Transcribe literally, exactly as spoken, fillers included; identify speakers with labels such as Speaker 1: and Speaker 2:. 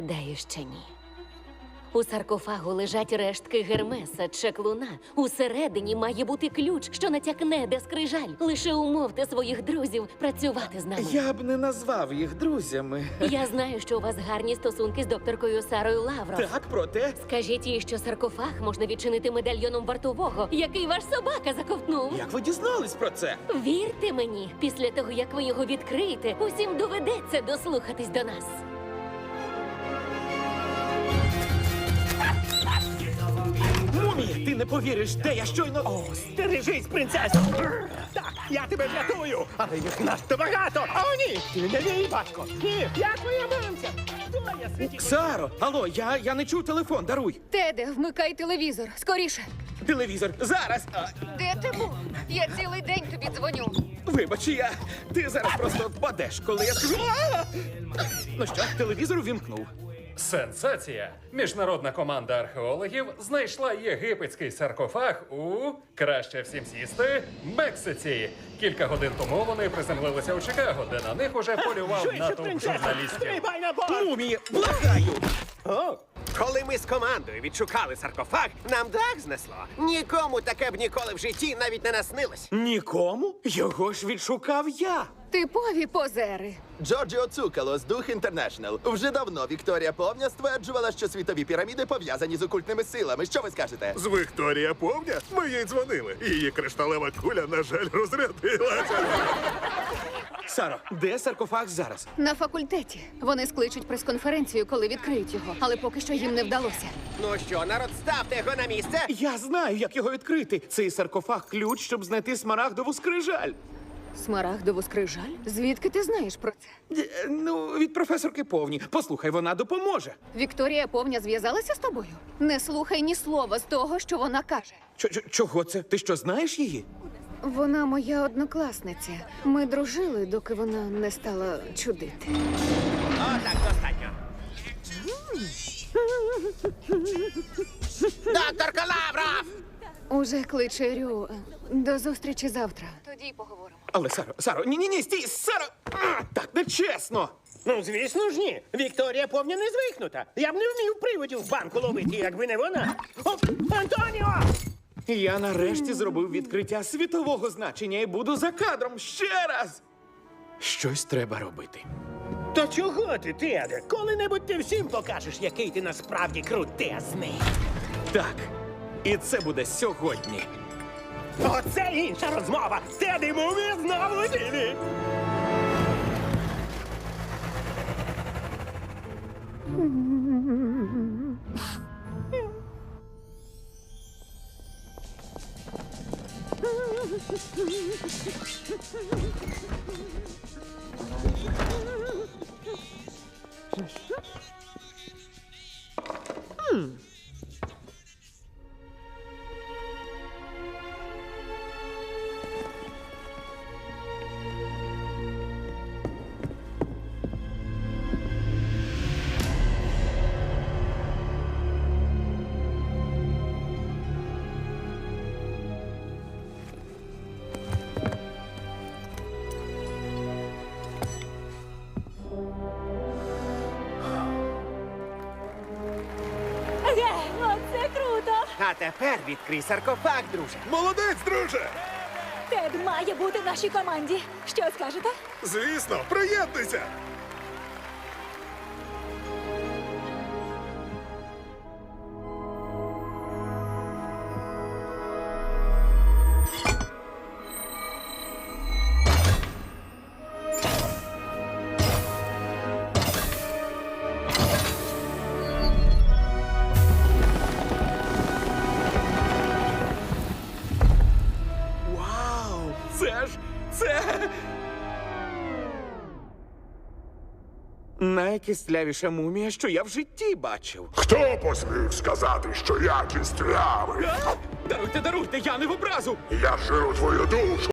Speaker 1: Гадаю, що ні. У саркофагу лежать рештки Гермеса, чеклуна. Усередині має бути ключ, що натякне, де скрижаль. Лише умовте своїх друзів працювати з нами.
Speaker 2: Я б не назвав їх друзями.
Speaker 1: Я знаю, що у вас гарні стосунки з докторкою Сарою Лавров.
Speaker 2: Так, проте...
Speaker 1: Скажіть їй, що саркофаг можна відчинити медальйоном вартового, який ваш собака заковтнув.
Speaker 2: Як ви дізнались про це?
Speaker 1: Вірте мені, після того, як ви його відкриєте, усім доведеться дослухатись до нас.
Speaker 2: Мумі, ти не повіриш, де я щойно...
Speaker 3: О, стережись, принцесо! Так, я тебе врятую, але їх надто багато! О, ні! Ти не мій батько! Ні, я твоя мамця! Хто я світі?
Speaker 2: Саро, алло, я, я не чув телефон, даруй.
Speaker 4: Теде, вмикай телевізор. Скоріше.
Speaker 2: Телевізор, зараз. А,
Speaker 4: Де ти був? Я цілий день тобі дзвоню.
Speaker 2: вибач, я... Ти зараз просто впадеш, коли я скажу... «А!» Ну що, телевізор увімкнув.
Speaker 5: Сенсація! Міжнародна команда археологів знайшла єгипетський саркофаг у краще всім сісти Мексиці. Кілька годин тому вони приземлилися у Чикаго, де на них уже полював
Speaker 3: Швидше,
Speaker 5: натовп
Speaker 3: принцесо!
Speaker 5: журналістів.
Speaker 3: Стрибай на борт!
Speaker 2: Мумі, благаю!
Speaker 3: О, коли ми з командою відшукали саркофаг, нам дах знесло. Нікому таке б ніколи в житті навіть не наснилось.
Speaker 2: Нікому? Його ж відшукав я.
Speaker 4: Типові позери.
Speaker 6: Джорджіо Цукалос, Дух Інтернешнл. Вже давно Вікторія Повня стверджувала, що світові піраміди пов'язані з окультними силами. Що ви скажете?
Speaker 7: З Вікторія Повня? Ми їй дзвонили. Її кришталева куля, на жаль, розрядилася.
Speaker 2: Саро, де саркофаг зараз?
Speaker 4: На факультеті. Вони скличуть прес-конференцію, коли відкриють його, але поки що їм не вдалося.
Speaker 3: Ну що, народ, ставте його на місце.
Speaker 2: Я знаю, як його відкрити. Цей саркофаг – ключ, щоб знайти смарагдову скрижаль.
Speaker 4: Смарагдову скрижаль? Звідки ти знаєш про це?
Speaker 2: Е, Ну, від професорки Повні. Послухай, вона допоможе.
Speaker 4: Вікторія Повня зв'язалася з тобою? Не слухай ні слова з того, що вона каже.
Speaker 2: Чо- чо- Чого це? Ти що, знаєш її?
Speaker 4: Вона моя однокласниця. Ми дружили, доки вона не стала чудити.
Speaker 3: О, так, достатньо. Докторка Лавров!
Speaker 4: Уже кличе Рю. До зустрічі завтра. Тоді й поговоримо.
Speaker 2: Але, Саро, Саро, ні-ні-ні, стій, Саро! А, так нечесно!
Speaker 3: Ну, звісно ж ні. Вікторія Повня не звикнута. Я б не вмів приводів в банку ловити, якби не вона. О, Антоніо!
Speaker 2: Я нарешті зробив відкриття світового значення і буду за кадром ще раз. Щось треба робити.
Speaker 3: То чого ти, Теде? Коли-небудь ти всім покажеш, який ти насправді крутезний.
Speaker 2: Так, і це буде сьогодні.
Speaker 3: Оце інша розмова. Теди Мумі знову у ділі.
Speaker 8: Оце круто!
Speaker 3: А тепер відкрий саркофаг, друже.
Speaker 7: Молодець, друже!
Speaker 8: Тед має бути в нашій команді. Що скажете?
Speaker 7: Звісно, приєднуйся!
Speaker 2: Вау! Це ж... це... Найкислявіша мумія, що я в житті бачив.
Speaker 7: Хто посмів сказати, що я кістлявий?
Speaker 2: А? Даруйте, даруйте, я не в образу!
Speaker 7: Я жиру твою душу!